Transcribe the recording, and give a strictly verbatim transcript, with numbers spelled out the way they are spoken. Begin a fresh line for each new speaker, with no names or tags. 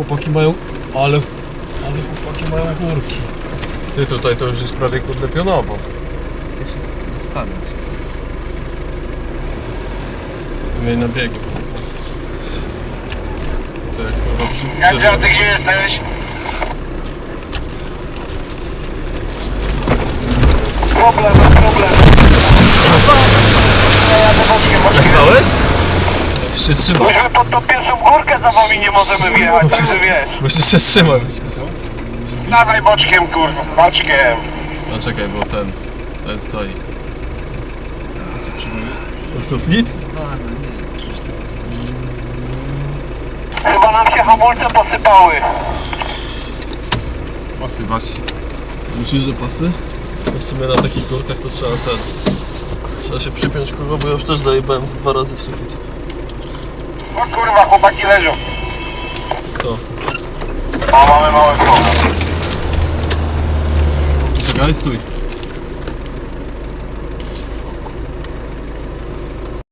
chłopaki mają... Ale... Ale chłopaki mają górki. Ty, tutaj to już jest prawie kurde pionowo.
Ja się spadać.
Miej na biegi. To jak kurwa przy...
Jadzia, ty gdzie jesteś? Problem, problem. Ja jadę boczkiem, boczkiem.
Jechałeś? Się trzymał.
Myśmy pod tą pierwszą górkę za wami nie możemy wjechać, także wiesz.
Musisz się trzymać.
Dawaj boczkiem, kurwa, boczkiem.
No czekaj, bo ten... Ten stoi. To jest fit?
No, no nie, przecież to jest...
Chyba nam się hamulce posypały.
Pasy, pasy. Myślisz, że pasy? No w sumie na takich górkach to trzeba ten... Trzeba się przypiąć kurwa, bo ja już też zajebałem z dwa razy w sufit.
O kurwa, chłopaki leżą.
Kto?
O, mamy mały problem.
Czekaj, stój.